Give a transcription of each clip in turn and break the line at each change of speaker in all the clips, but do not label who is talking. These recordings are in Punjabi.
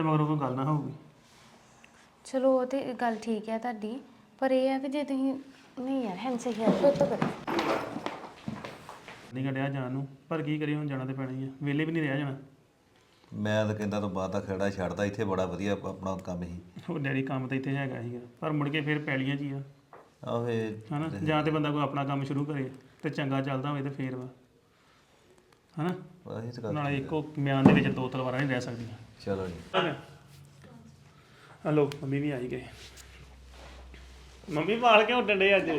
ਮਗਰੋਂ ਕੋਈ ਗੱਲ ਨਾ ਹੋਊਗੀ।
ਚਲੋ ਉਹ ਤੇ ਗੱਲ ਠੀਕ ਹੈ ਤੁਹਾਡੀ, ਪਰ ਇਹ ਹੈ ਕਿ ਜੇ ਤੁਸੀਂ ਨਹੀਂ ਯਾਰ ਹੈਂਡ ਸਹੀ ਹੈ ਫਿਰ ਤਾਂ ਕਰੋ।
ਨਹੀਂ ਕੱਢਿਆ ਜਾਣ ਨੂੰ, ਪਰ ਕੀ ਕਰੀਏ ਹੁਣ ਜਾਣਾ ਤੇ ਪੈਣਾ ਹੀ ਆ, ਵਿਹਲੇ ਵੀ ਨਹੀਂ ਰਿਹਾ ਜਾਣਾ।
ਮੈਂ ਤਾਂ ਕਹਿੰਦਾ ਤੂੰ ਬਾਅਦ ਦਾ ਖੇੜਾ ਛੱਡਦਾ, ਇੱਥੇ ਬੜਾ ਵਧੀਆ ਆਪਣਾ ਕੰਮ ਸੀ।
ਉਹ ਡੈਡੀ ਕੰਮ ਤਾਂ ਇੱਥੇ ਹੈਗਾ ਸੀਗਾ, ਪਰ ਮੁੜ ਕੇ ਫਿਰ ਪੈਲੀਆਂ 'ਚ ਹੀ ਆ
ਆਹੋ ਇਹ
ਹਨਾ। ਜਾਂ ਤੇ ਬੰਦਾ ਕੋਈ ਆਪਣਾ ਕੰਮ ਸ਼ੁਰੂ ਕਰੇ ਤੇ ਚੰਗਾ ਚੱਲਦਾ ਹੋਵੇ ਤੇ ਫੇਰ ਵਾ ਹਨਾ।
ਆਹੀ ਤਾਂ ਗੱਲ।
ਨਾਲੇ ਇੱਕੋ ਮਿਆਨ ਦੇ ਵਿੱਚ ਦੋ ਤਲਵਾਰਾਂ ਨਹੀਂ ਰਹਿ ਸਕਦੀਆਂ।
ਚਲੋ ਜੀ।
ਹਲੋ ਮੰਮੀ ਵੀ ਆਈ ਗਏ। ਮੰਮੀ ਵਾਲ ਕਿਉਂ ਡੰਡੇ ਅੱਜ?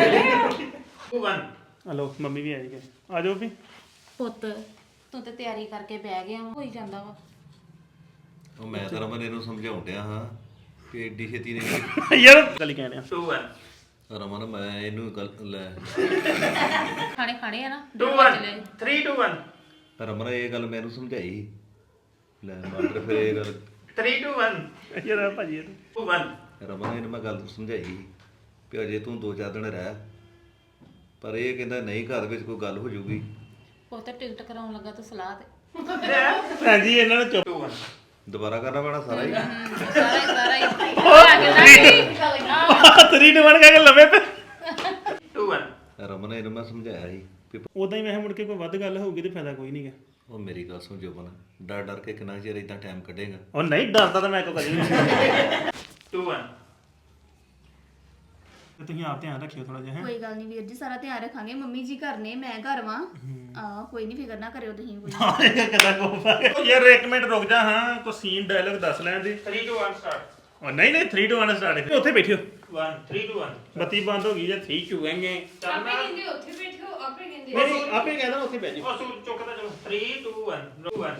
ਹਲੋ ਮੰਮੀ ਵੀ ਆਈ ਗਏ, ਆ ਜਾਓ ਵੀ।
ਪੁੱਤ ਤੂੰ ਤੇ ਤਿਆਰੀ ਕਰਕੇ ਬਹਿ ਗਿਆ ਵਾ, ਹੋਈ ਜਾਂਦਾ ਵਾ।
ਉਹ ਮੈਂ ਤਾਂ ਰਮਨ ਇਹਨੂੰ ਸਮਝਾਉਣ ਡਿਆ ਹਾਂ ਕਿ ਏਡੀ ਛੇਤੀ ਨੇ
ਯਾਰ ਗੱਲ ਕਹਿਣੇ ਆ।
ਰਮਨ ਮੈਂ ਇਹਨੂੰ ਗੱਲ ਲੈ
ਖਾਣੇ ਖਾਣੇ ਆ ਨਾ
2 1 3 2 1
ਰਮਨ ਇਹ ਗੱਲ ਮੈਨੂੰ ਸਮਝਾਈ ਲੈ ਮਾਸਟਰ ਫਿਰ ਇਹ ਗੱਲ
3 2 1 ਯਾਰ ਭਾਜੀ 2 1
ਰਮਨ ਇਹਨੂੰ ਮੈਂ ਗੱਲ ਸਮਝਾਈ ਵੀ ਅਜੇ ਤੂੰ 2-4 ਦਿਨ ਰਹਿ, ਪਰ ਇਹ ਕਹਿੰਦਾ ਨਹੀਂ ਘਰ ਵਿੱਚ ਕੋਈ ਗੱਲ ਹੋ ਜੂਗੀ।
ਪੁੱਤ ਟਿਕਟ ਕਰਾਉਣ ਲੱਗਾ ਤੂੰ ਸਲਾਹ ਤੇ
ਹਾਂਜੀ ਇਹਨਾਂ ਨੂੰ ਚੁੱਪ। 2 1
ਦੁਬਾਰਾ ਕਰਨਾ ਪੈਣਾ ਸਾਰਾ ਹੀ।
ਸਾਰਾ ਹੀ
3 2 1 ਕਹਿ ਕੇ ਲਵੇ ਤੇ 2 1
ਰਮਨ ਇਹਨੂੰ ਮੈਂ ਸਮਝਾਇਆ ਸੀ ਵੀ
ਉਦਾਂ ਹੀ ਮੈਂ ਕਿਹਾ ਮੁੜ ਕੇ ਕੋਈ ਵੱਧ ਗੱਲ ਹੋਊਗੀ ਤੇ ਫਾਇਦਾ ਕੋਈ ਨਹੀਂਗਾ।
ਉਹ ਮੇਰੀ ਗੱਲ ਸੁਣ ਜੋਬਨ, ਡਰ ਡਰ ਕੇ ਕਿੰਨਾ ਚਿਰ ਇਦਾਂ ਟਾਈਮ ਕੱਢੇਗਾ।
ਉਹ ਨਹੀਂ ਡਰਦਾ ਤਾਂ ਮੈਂ ਕੋ ਕਦੀ ਨਹੀਂ। 2 1 ਤੁਸੀਂ ਆਪ ਧਿਆਨ ਰੱਖਿਓ ਥੋੜਾ ਜਿਹਾ।
ਕੋਈ ਗੱਲ ਨਹੀਂ ਵੀਰ ਜੀ, ਸਾਰਾ ਧਿਆਨ ਰੱਖਾਂਗੇ। ਮੰਮੀ ਜੀ ਘਰ ਨੇ, ਮੈਂ ਘਰ ਵਾਂ। ਕੋਈ ਨਹੀਂ, ਫਿਕਰ ਨਾ ਕਰਿਓ ਤੁਸੀਂ ਕੋਈ।
ਕਿਦਾਂ ਕੋਫਾ ਯਾਰ 1 ਮਿੰਟ ਰੁਕ ਜਾ। ਹਾਂ ਕੋ ਸੀਨ ਡਾਇਲੌਗ ਦੱਸ ਲੈਣ ਦੇ। 3 2 1 ਸਟਾਰਟ। ਉਹ ਨਹੀਂ 3 2 1 ਸਟਾਰਟ। ਉੱਥੇ ਬੈਠਿਓ। 1 3 2 1 ਬੱਤੀ ਬੰਦ ਹੋ ਗਈ ਜੇ 3 ਚੁਗਾਂਗੇ।
ਆਪੇ ਕਹਿੰਦੇ ਉੱਥੇ ਬੈਠੋ, ਆਪੇ ਕਹਿੰਦੇ
ਨਹੀਂ ਆਪੇ ਕਹਿੰਦਾ ਉੱਥੇ ਬਹਿ ਜਾ। ਉਹ ਚੁੱਕਦਾ ਚਲੋ 3 2 1 2 1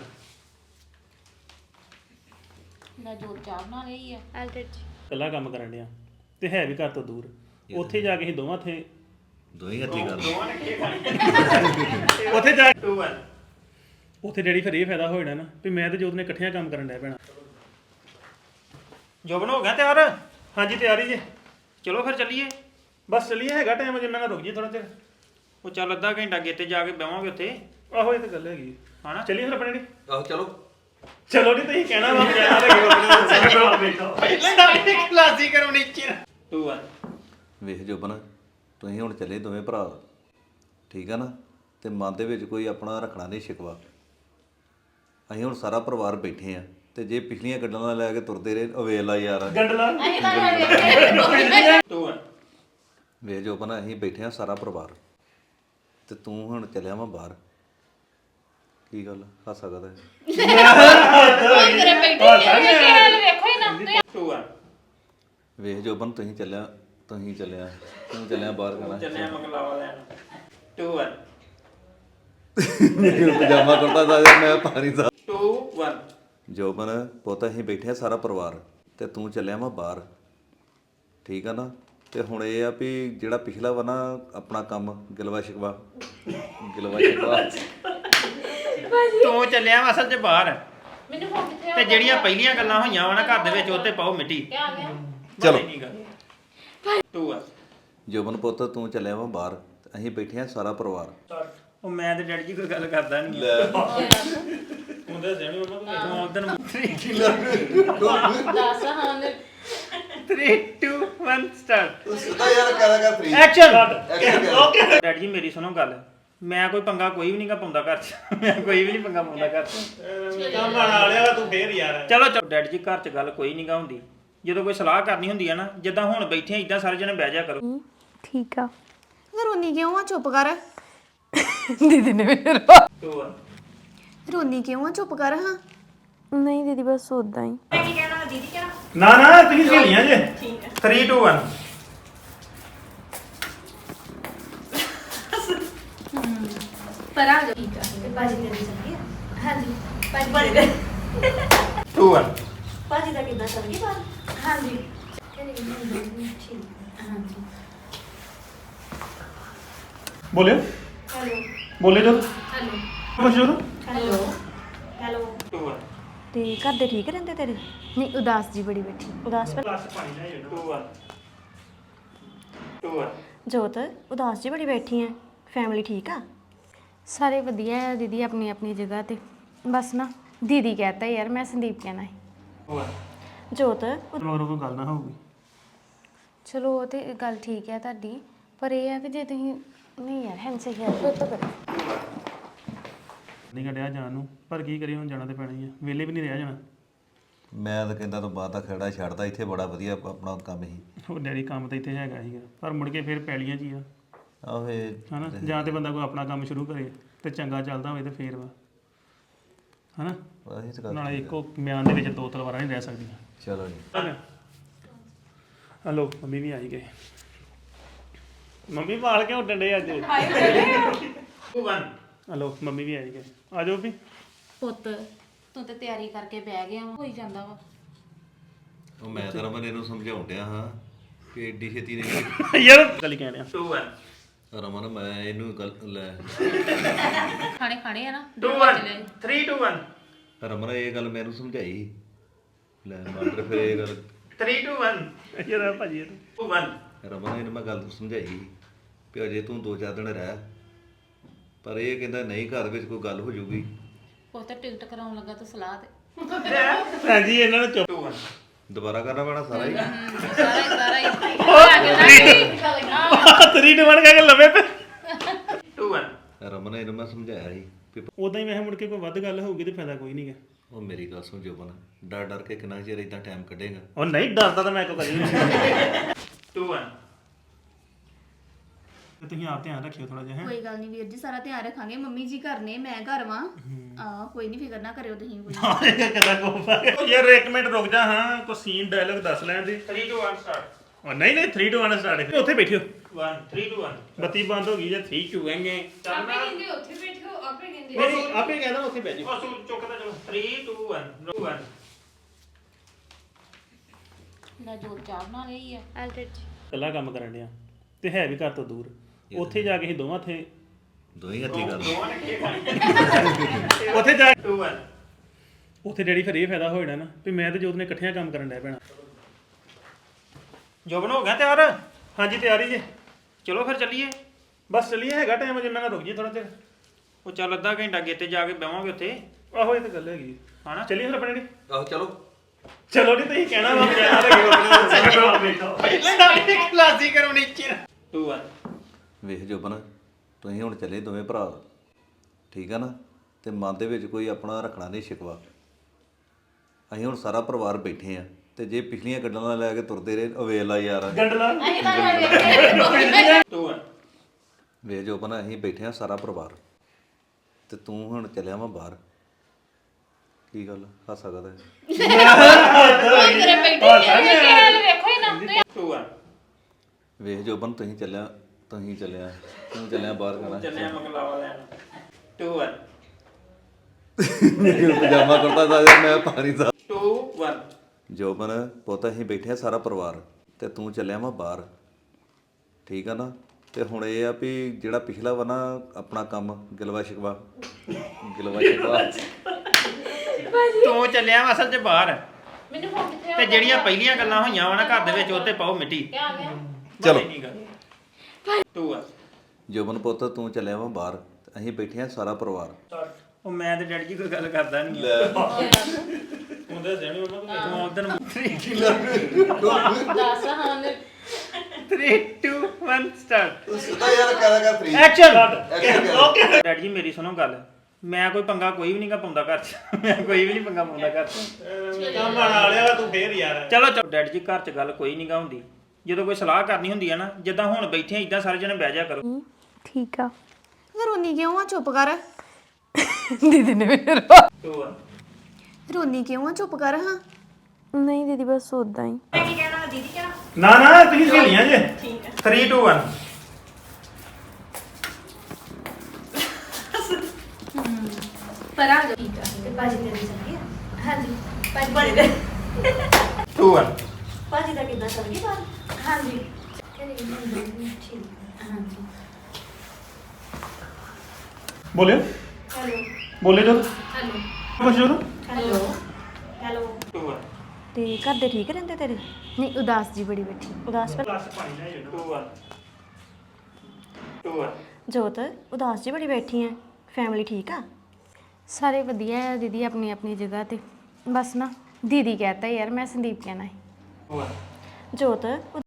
ਨਾ ਜੋਰ ਚਾਹ ਬਣਾ ਲਈ ਆ।
ਪਹਿਲਾ ਕੰਮ ਕਰਨ ਡਿਆ ਤੇ ਹੈ ਵੀ ਘਰ ਤੋਂ ਦੂਰ। ਉੱਥੇ ਜਾ ਕੇ ਅਸੀਂ ਦੋਵਾਂ ਥੇ
ਦੋਈ ਹੱਥੀ ਗੱਲ
ਉੱਥੇ ਜਾ 2 1 ਉੱਥੇ ਡੈਡੀ ਫਿਰ ਇਹ ਫਾਇਦਾ ਹੋ ਜਾਣਾ ਨਾ ਵੀ ਮੈਂ ਤੇ ਜੋਤ ਨੇ ਇਕੱਠਿਆਂ ਕੰਮ ਕਰਨ ਡਿਆ ਪੈਣਾ। ਜੋਬਨ ਹੋ ਗਿਆ ਤਿਆਰ? ਹਾਂਜੀ ਤਿਆਰੀ ਜੇ। ਚਲੋ ਫਿਰ ਚੱਲੀਏ। ਬਸ ਚੱਲੀਏ, ਹੈਗਾ ਟਾਈਮ ਅਜੇ, ਮੈਂ ਨਾ ਰੁਕ ਜੀ ਥੋੜਾ ਚਿਰ। ਉਹ ਚੱਲ ਅੱਧਾ ਘੰਟਾ ਗੇਤੇ ਜਾ ਕੇ ਬਹਿਵਾਂਗੇ ਉੱਥੇ। ਆਹੋ ਇਹ ਤਾਂ ਗੱਲ ਹੈਗੀ ਹਨਾ। ਚੱਲੀਏ ਫਿਰ ਆਪਣੇ ਡੈਡੀ।
ਆਹੋ ਚਲੋ
ਚਲੋ ਜੀ ਤੁਸੀਂ ਕਹਿਣਾ ਵਾ ਕਲਾਸੀ ਕਰੋ ਨੀਚੇ 2 1
ਵੇਖ ਜੋਬਨ, ਤੁਸੀਂ ਹੁਣ ਚੱਲੇ ਦੋਵੇਂ ਭਰਾ, ਠੀਕ ਆ ਨਾ? ਤੇ ਮਨ ਦੇ ਵਿੱਚ ਕੋਈ ਆਪਣਾ ਰੱਖਣਾ ਨਹੀਂ ਸ਼ਿਕਵਾ। ਅਸੀਂ ਹੁਣ ਸਾਰਾ ਪਰਿਵਾਰ ਬੈਠੇ ਆ, ਤੇ ਜੇ ਪਿਛਲੀਆਂ ਗੱਲਾਂ ਨਾਲ ਲੈ ਕੇ ਤੁਰਦੇ ਰਹੇ ਅਵੇਲਾ ਯਾਰ।
ਗੰਡਲਾ 2 1
ਵੇਖ ਜੋਬਨ, ਅਸੀਂ ਬੈਠੇ ਆ ਸਾਰਾ ਪਰਿਵਾਰ, ਤੇ ਤੂੰ ਹੁਣ ਚੱਲਿਆ ਵਾ ਬਾਹਰ। ਕੀ ਗੱਲ ਹੱਸ ਸਕਦਾ?
2 1
ਵੇਖ ਜੋਬਨ, ਤੁਸੀਂ ਚੱਲਿਆ ਤੂੰ ਚੱਲਿਆ ਬਾਹਰ ਕਰਨਾ।
ਚੱਲਿਆ ਮਗਲਾਵਾ ਲੈਣ 2 1
ਪਜਾਮਾ ਕੁੜਤਾ ਦਾ ਮੈਂ ਪਾਣੀ ਦਾ
2 1
ਜੋਬਨ ਪੁੱਤ, ਅਸੀਂ ਬੈਠੇ ਆ ਸਾਰਾ ਪਰਿਵਾਰ, ਤੇ ਤੂੰ ਚੱਲਿਆ ਵਾ ਬਾਹਰ, ਠੀਕ ਆ ਨਾ? ਤੇ ਹੁਣ ਇਹ ਆ ਵੀ ਜਿਹੜਾ ਪਿਛਲਾ ਵਾ ਨਾ ਆਪਣਾ ਕੰਮ ਗਿਲਵਾ ਸ਼ਿਕਵਾ
ਤੂੰ ਚੱਲਿਆ ਵਾ ਅਸਲ 'ਚ ਬਾਹਰ, ਤੇ ਜਿਹੜੀਆਂ ਪਹਿਲੀਆਂ ਗੱਲਾਂ ਹੋਈਆਂ ਵਾ ਨਾ ਘਰ ਦੇ ਵਿੱਚ ਉਹ ਤੇ ਪਾਓ ਮਿੱਟੀ।
ਚਲੋ
2 1
ਜੋਬਨ ਪੁੱਤ, ਤੂੰ ਚੱਲਿਆ ਵਾ ਬਾਹਰ, ਤੇ ਅਸੀਂ ਬੈਠੇ ਆ ਸਾਰਾ ਪਰਿਵਾਰ।
ਉਹ ਮੈਂ ਤੇ ਡੈਡੀ ਜੀ ਕੋਈ ਗੱਲ ਕਰਦਾ ਨਹੀਂ। ਤੂੰ ਦੱਸਿਆ ਨਹੀਂ ਉਹਨਾਂ ਨੂੰ ਉਦੋਂ
10 ਹਾਂ
3 2 1 ਸਟਾਰਟ।
ਸਿੱਧਾ ਯਾਰ ਕਰਾਂਗਾ 3
ਐਕਸ਼ਨ। ਓਕੇ ਡੈਡੀ ਜੀ ਮੇਰੀ ਸੁਣੋ ਗੱਲ, ਮੈਂ ਕੋਈ ਪੰਗਾ ਕੋਈ ਵੀ ਨਹੀਂਗਾ ਪਾਉਂਦਾ ਘਰ 'ਚ। ਮੈਂ ਕੋਈ ਵੀ ਨਹੀਂ ਪੰਗਾ ਪਾਉਂਦਾ ਘਰ 'ਚ। ਕੰਮ ਵਾਲਿਆ ਤੂੰ ਫੇਰ ਯਾਰ। ਚਲੋ ਚਲੋ ਡੈਡੀ ਜੀ, ਘਰ 'ਚ ਗੱਲ ਕੋਈ ਨਹੀਂਗਾ ਹੁੰਦੀ। ਜਦੋਂ ਕੋਈ ਸਲਾਹ ਕਰਨੀ ਹੁੰਦੀ ਆ ਨਾ, ਜਿੱਦਾਂ ਹੁਣ ਬੈਠੇ ਆ ਇਦਾਂ ਸਾਰੇ ਜਣੇ ਬਹਿ ਜਾ ਕਰੋ।
ਠੀਕ ਆ।
ਰੋਨੀ ਕਿਉਂ ਆ? ਚੁੱਪ ਕਰ।
ਦੀਦੀ ਨੇ ਮੇਰੇ
2 1
ਰੋਨੀ ਕਿਉਂ ਆ? ਚੁੱਪ ਕਰ ਹਾਂ।
ਨਹੀਂ ਦੀਦੀ ਬਸ ਉਦਾਂ ਹੀ।
ਨਾ ਨਾ ਤੁਸੀਂ ਸਹੇਲੀਆਂ ਜੇ। 3 2 1
ਪਰ ਆ ਜਾ। ਠੀਕ ਆ, ਤੇ ਬਾਜੀ ਦੇ ਚੱਲੀ ਆ। ਹਾਂਜੀ ਬਾਜੀ ਦੇ
2 1
ਬਾਜੀ ਦਾ ਕਿੱਦਾਂ ਚੱਲ ਗਈ ਬਾਤ? ਹਾਂਜੀ ਹਾਂਜੀ
ਬੋਲਿਓ
ਹੈਲੋ
ਬੋਲੇ ਜੋ
ਹੈਲੋ
ਕੁਛ ਜੋ
ਹੈਲੋ ਹੈਲੋ
2 1
ਤੇ ਘਰ ਦੇ ਠੀਕ ਰਹਿੰਦੇ ਤੇਰੇ? ਨਹੀਂ ਉਦਾਸ ਜੀ ਬੜੀ ਬੈਠੀ। ਉਦਾਸ ਪਰ
ਗਲਾਸ ਪਾਣੀ ਲੈ 2 1 2 1
ਜੋਤ ਉਦਾਸ ਜੀ ਬੜੀ ਬੈਠੀ ਐ। ਫੈਮਿਲੀ ਠੀਕ ਆ? ਸਾਰੇ ਵਧੀਆ ਆ ਦੀਦੀ, ਆਪਣੀ ਆਪਣੀ ਜਗ੍ਹਾ ਤੇ। ਬਸ ਨਾ ਦੀਦੀ ਕਹਤਾ ਯਾਰ, ਮੈਂ ਸੰਦੀਪ ਕਹਿਣਾ ਹੈ। ਜੋਤ
ਮਗਰੋਂ ਕੋਈ ਗੱਲ ਨਾ ਹੋਊਗੀ
ਚਲੋ ਉਹ ਤੇ ਗੱਲ ਠੀਕ ਹੈ ਤੁਹਾਡੀ, ਪਰ ਇਹ ਹੈ ਕਿ ਜੇ ਤੁਸੀਂ ਨਹੀਂ ਯਾਰ ਹੈਂਸੇ ਯਾਰ ਫਿਰ ਤਾਂ ਕਰੋ।
ਨਹੀਂ ਕੱਢਿਆ ਜਾਣ ਨੂੰ, ਪਰ ਕੀ ਕਰੀਏ ਹੁਣ ਜਾਣਾ ਤੇ ਪੈਣਾ ਹੀ ਆ, ਵਿਹਲੇ ਵੀ ਨਹੀਂ ਰਿਹਾ ਜਾਣਾ।
ਮੈਂ ਤਾਂ ਕਹਿੰਦਾ ਤੂੰ ਬਾਹਰ ਦਾ ਖੇੜਾ ਛੱਡਦਾ, ਇੱਥੇ ਬੜਾ ਵਧੀਆ ਆਪਣਾ ਕੰਮ ਸੀ।
ਉਹ ਡੈਡੀ ਕੰਮ ਤਾਂ ਇੱਥੇ ਹੈਗਾ ਸੀਗਾ, ਪਰ ਮੁੜ ਕੇ ਫਿਰ ਪੈਲੀਆਂ 'ਚ ਹੀ ਆ
ਆਹੋ ਇਹ
ਹਨਾ, ਜਾਂ ਤੇ ਬੰਦਾ ਕੋਈ ਆਪਣਾ ਕੰਮ ਸ਼ੁਰੂ ਕਰੇ ਤੇ ਚੰਗਾ ਚੱਲਦਾ ਹੋਵੇ ਤੇ ਫੇਰ ਵਾ ਹਨਾ।
ਅਸੀਂ ਤਾਂ
ਨਾਲੇ ਇੱਕੋ ਮਿਆਨ ਦੇ ਵਿੱਚ ਦੋ ਤਲਵਾਰਾਂ ਨਹੀਂ ਰਹਿ ਸਕਦੀਆਂ।
ਚਲੋ ਜੀ।
ਹਲੋ ਮੰਮੀ ਵੀ ਆਈ ਗਏ, ਮੰਮੀ ਵਾਲ ਕਿਉਂ ਡੰਡੇ ਅੱਜ? ਹਲੋ ਮੰਮੀ ਵੀ ਆਈ ਗਏ, ਆ ਜਾਓ ਵੀ।
ਪੁੱਤ ਤੂੰ ਤੇ ਤਿਆਰੀ ਕਰਕੇ ਬਹਿ ਗਿਆ ਵਾ, ਹੋਈ ਜਾਂਦਾ ਵਾ।
ਉਹ ਮੈਂ ਤਾਂ ਰਮਨ ਇਹਨੂੰ ਸਮਝਾਉਣ ਡਿਆ ਹਾਂ ਕਿ ਏਡੀ ਛੇਤੀ ਨਹੀਂ
ਯਾਰ ਗੱਲ ਕਹਿ ਰਿਹਾ। 2 1
ਰਮਨ ਮੈਂ ਇਹਨੂੰ ਗੱਲ ਲੈ
ਖਾਣੇ ਆ ਨਾ
2 1 3 2 1
ਰਮਨ ਇਹ ਗੱਲ ਮੈਨੂੰ ਸਮਝਾਈ ਲੈ ਮਾਸਟਰ ਫਿਰ ਇਹ ਗੱਲ
3 2 1 ਯਾਰ ਭਾਜੀ 2 1
ਰਮਨ ਇਹਨੂੰ ਮੈਂ ਗੱਲ ਸਮਝਾਈ ਵੀ ਅਜੇ ਤੂੰ 2-4 ਦਿਨ ਰਹਿ, ਪਰ ਇਹ ਕਹਿੰਦਾ ਨਹੀਂ ਘਰ ਵਿੱਚ ਕੋਈ ਗੱਲ ਹੋ ਜੂਗੀ।
ਪੁੱਤ ਟਿਕਟ ਕਰਾਉਣ ਲੱਗਾ ਤੂੰ ਸਲਾਹ ਤੇ
ਹਾਂਜੀ ਇਹਨਾਂ ਨੂੰ ਚੁੱਪ 2 1
ਦੁਬਾਰਾ ਕਰਨਾ ਪੈਣਾ ਸਾਰਾ ਹੀ।
ਸਾਰਾ ਹੀ
3 2 1 ਕਹਿ ਕੇ ਲਵੇ ਪੇ 2 1
ਰਮਨ ਇਹਨੂੰ ਮੈਂ ਸਮਝਾਇਆ ਸੀ ਵੀ
ਉਦਾਂ ਹੀ ਮੈਂ ਮੁੜ ਕੇ ਕੋਈ ਵੱਧ ਗੱਲ ਹੋਊਗੀ ਤੇ ਫਾਇਦਾ ਕੋਈ ਨਹੀਂਗਾ।
ਉਹ ਮੇਰੀ ਗੱਲ ਸੁਣ ਜੋਬਨ, ਡਰ ਡਰ ਕੇ ਕਿੰਨਾ ਚਿਰ ਇਦਾਂ ਟਾਈਮ ਕੱਢੇਗਾ।
ਉਹ ਨਹੀਂ ਡਰਦਾ ਤਾਂ ਮੈਂ ਕੋ ਕਰੀ 2 1 ਤੁਸੀਂ ਆਪ ਧਿਆਨ ਰੱਖਿਓ ਥੋੜਾ ਜਿਹਾ।
ਕੋਈ ਗੱਲ ਨਹੀਂ ਵੀਰ ਜੀ, ਸਾਰਾ ਧਿਆਨ ਰੱਖਾਂਗੇ। ਮੰਮੀ ਜੀ ਘਰ ਨੇ, ਮੈਂ ਘਰ ਵਾਂ। ਕੋਈ ਨਹੀਂ, ਫਿਕਰ ਨਾ ਕਰਿਓ ਤੁਸੀਂ ਕੋਈ।
ਕਿਦਾਂ ਕੋਫਾ ਯਾਰ 1 ਮਿੰਟ ਰੁਕ ਜਾ, ਹਾਂ ਕੋ ਸੀਨ ਡਾਇਲੌਗ ਦੱਸ ਲੈਣ ਦੇ। 3 2 1 ਸਟਾਰਟ। ਉਹ ਨਹੀਂ 3 2 1 ਸਟਾਰਟ। ਉੱਥੇ ਬੈਠਿਓ 1 3 2 1 ਬੱਤੀ ਬੰਦ ਹੋ ਗਈ ਜੇ 3 2 ਆਂਗੇ ਚੱਲਣਾ। ਆਪੇ ਕਹਿੰਦੇ ਉੱਥੇ ਬੈਠੋ, ਆਪੇ ਕਹਿੰਦੇ ਨਹੀਂ, ਆਪੇ ਕਹਿੰਦਾ ਉੱਥੇ ਬੈਠ ਜਾ। ਉਹ ਚੁੱਕਦਾ ਚਲੋ 3 2 1 2 1
ਲੈ ਜੋਤ ਚਾਹ ਬਣਾ ਲਈ ਆ।
ਕੱਲਾ ਕੰਮ ਕਰਨ ਡਿਆ ਤੇ ਹੈ ਵੀ ਘਰ ਤੋਂ ਦੂਰ, ਉੱਥੇ ਜਾ ਕੇ ਅਸੀਂ ਦੋਵਾਂ ਥੇ
ਦੋਈ ਹੱਥੀ ਗੱਲ
ਉੱਥੇ ਜਾ 2 1 ਉੱਥੇ ਡੈਡੀ ਫਿਰ ਇਹ ਫਾਇਦਾ ਹੋ ਜਾਣਾ ਨਾ ਵੀ ਮੈਂ ਤੇ ਜੋਤ ਨੇ ਇਕੱਠਿਆਂ ਕੰਮ ਕਰਨ ਡਿਆ ਪੈਣਾ। ਜੋਬਨ ਹੋ ਗਿਆ ਤਿਆਰ? ਹਾਂਜੀ ਤਿਆਰ ਹੀ ਜੇ। ਚਲੋ ਫਿਰ ਚੱਲੀਏ। ਬਸ ਚੱਲੀਏ, ਹੈਗਾ ਟਾਈਮ ਅਜੇ, ਮੈਂ ਨਾ ਰੁਕ ਜੀ ਥੋੜਾ ਚਿਰ। ਉਹ ਚੱਲ ਅੱਧਾ ਘੰਟਾ ਅੱਗੇ ਤੇ ਜਾ ਕੇ ਬਹਿਵਾਂਗੇ ਉੱਥੇ। ਆਹੋ ਇਹ ਤਾਂ ਗੱਲ ਹੈਗੀ ਹਨਾ। ਚੱਲੀਏ ਫਿਰ ਆਪਣੇ ਡੈਡੀ।
ਆਹੋ ਚਲੋ
ਚਲੋ ਜੀ ਤੁਸੀਂ ਕਹਿਣਾ ਵਾ ਜਾਣਾ ਲੱਗੇ ਆਪਣੇ ਕਲਾਸੀ ਕਰੋ ਨੀਚੇ 2 1
ਵੇਖ ਜੋਬਨ, ਤੁਸੀਂ ਹੁਣ ਚੱਲੇ ਦੋਵੇਂ ਭਰਾ, ਠੀਕ ਆ ਨਾ, ਤੇ ਮਨ ਦੇ ਵਿੱਚ ਕੋਈ ਆਪਣਾ ਰੱਖਣਾ ਨਹੀਂ ਸ਼ਿਕਵਾ। ਅਸੀਂ ਹੁਣ ਸਾਰਾ ਪਰਿਵਾਰ ਬੈਠੇ ਆ, ਤੇ ਜੇ ਪਿਛਲੀਆਂ ਗੱਲਾਂ ਨਾਲ ਲੈ ਕੇ ਤੁਰਦੇ ਰਹੇ ਅਵੇਲਾ ਯਾਰ
ਗੰਡਲਾ 2 1
ਵੇਖ ਜੋਬਨ, ਅਸੀਂ ਬੈਠੇ ਆ ਸਾਰਾ ਪਰਿਵਾਰ, ਤੇ ਤੂੰ ਹੁਣ ਚੱਲਿਆ ਵਾ ਬਾਹਰ। ਕੀ ਗੱਲ ਹੱਸ ਸਕਦਾ ਹੈ?
2 1
ਵੇਖ ਜੋਬਨ, ਤੁਸੀਂ ਚੱਲਿਆ ਤੂੰ ਚੱਲਿਆ ਬਾਹਰ ਕਰਨਾ
ਚੱਲਿਆ ਮਕਲਾਵਾ ਲੈਣ 2 1
ਪਜਾਮਾ ਕੁੜਤਾ ਦਾ ਮੈਂ ਪਾਣੀ ਦਾ
2 1
ਜੋਬਨ ਪੁੱਤ, ਅਸੀਂ ਬੈਠੇ ਆ ਸਾਰਾ ਪਰਿਵਾਰ, ਤੇ ਤੂੰ ਚੱਲਿਆ ਵਾ ਬਾਹਰ, ਠੀਕ ਆ ਨਾ। ਤੇ ਹੁਣ ਇਹ ਆ ਵੀ ਜਿਹੜਾ ਪਿਛਲਾ ਵਾ ਨਾ ਆਪਣਾ ਕੰਮ ਗਿਲਵਾ ਸ਼ਿਕਵਾ
ਤੂੰ ਚੱਲਿਆ ਵਾ ਅਸਲ 'ਚ ਬਾਹਰ, ਤੇ ਜਿਹੜੀਆਂ ਪਹਿਲੀਆਂ ਗੱਲਾਂ ਹੋਈਆਂ ਵਾ ਨਾ ਘਰ ਦੇ ਵਿੱਚ, ਉਹ ਤੇ ਪਾਓ ਮਿੱਟੀ।
ਚਲੋ
2 1
ਜੋਬਨ ਪੁੱਤ, ਤੂੰ ਚੱਲਿਆ ਵਾ ਬਾਹਰ, ਤੇ ਅਸੀਂ ਬੈਠੇ ਆ ਸਾਰਾ ਪਰਿਵਾਰ।
ਉਹ ਮੈਂ ਤੇ ਡੈਡੀ ਜੀ ਕੋਈ ਗੱਲ ਕਰਦਾ ਨਹੀਂ। ਤੂੰ ਦੱਸਿਆ ਨਹੀਂ ਉਹਨਾਂ ਨੂੰ ਉਧਰ 3 2 1 ਸਟਾਰਟ।
ਸਿੱਧਾ ਯਾਰ ਕਰਾਂਗਾ 3
ਐਕਸ਼ਨ। ਓਕੇ ਡੈਡੀ ਜੀ ਮੇਰੀ ਸੁਣੋ ਗੱਲ, ਮੈਂ ਕੋਈ ਪੰਗਾ ਕੋਈ ਵੀ ਨਹੀਂਗਾ ਪਾਉਂਦਾ ਘਰ 'ਚ। ਮੈਂ ਕੋਈ ਵੀ ਨਹੀਂ ਪੰਗਾ ਪਾਉਂਦਾ ਘਰ 'ਚ। ਕੰਮ ਬਣਾ ਲਿਆ ਤੂੰ ਫੇਰ ਯਾਰ। ਚਲੋ ਡੈਡੀ ਜੀ ਘਰ 'ਚ ਗੱਲ ਕੋਈ ਨਹੀਂਗਾ ਹੁੰਦੀ, ਜਦੋਂ ਕੋਈ ਸਲਾਹ ਕਰਨੀ ਹੁੰਦੀ ਹੈ ਨਾ, ਜਿੱਦਾਂ ਹੁਣ ਬੈਠੇ ਆ ਇਦਾਂ ਸਾਰੇ ਜਣੇ ਬਹਿ ਜਾ ਕਰੋ।
ਠੀਕ ਆ।
ਰੋਨੀ ਕਿਉਂ ਆ? ਚੁੱਪ ਕਰ।
ਦੀਦੀ ਨੇ ਮੇਰੇ
2 1
ਰੋਨੀ ਕਿਉਂ ਆ? ਚੁੱਪ ਕਰ ਹਾਂ।
ਨਹੀਂ ਦੀਦੀ ਬਸ ਉਦਾਂ ਹੀ।
ਨਾ ਨਾ ਤੁਸੀਂ ਸਹੇਲੀਆਂ ਜੇ। 3 2 1
ਪਰ ਆ ਜਾ। ਠੀਕ ਆ ਤੇ ਭਾਜੀ ਤੇਰੀ ਚੱਲੀ ਆ? ਹਾਂਜੀ ਭਾਜੀ ਦੇ
2 1
ਭਾਜੀ ਦਾ ਕਿੱਦਾਂ ਚੱਲ ਗਿਆ ਬਾਹਰ? ਹਾਂਜੀ ਠੀਕ। ਹਾਂਜੀ
ਬੋਲਿਓ
ਹੈਲੋ
ਬੋਲੇ ਜੋ
ਹੈਲੋ
ਕੁਛ ਜੋ
ਹੈਲੋ ਹੈਲੋ
2 1
ਤੇ ਘਰ ਦੇ ਠੀਕ ਰਹਿੰਦੇ ਤੇਰੇ? ਨਹੀਂ ਉਦਾਸ ਜੀ ਬੜੀ ਬੈਠੀ ਉਦਾਸ ਪਰ
2 1 2 1
ਜੋਤ ਉਦਾਸ ਜੀ ਬੜੀ ਬੈਠੀ ਐ, ਫੈਮਿਲੀ ਠੀਕ ਆ? ਸਾਰੇ ਵਧੀਆ ਆ ਦੀਦੀ, ਆਪਣੀ ਆਪਣੀ ਜਗ੍ਹਾ ਤੇ। ਬਸ ਨਾ ਦੀਦੀ ਕਹਤਾ ਯਾਰ ਮੈਂ ਸੰਦੀਪ ਕਹਿਣਾ ਹੈ ਜੋਤ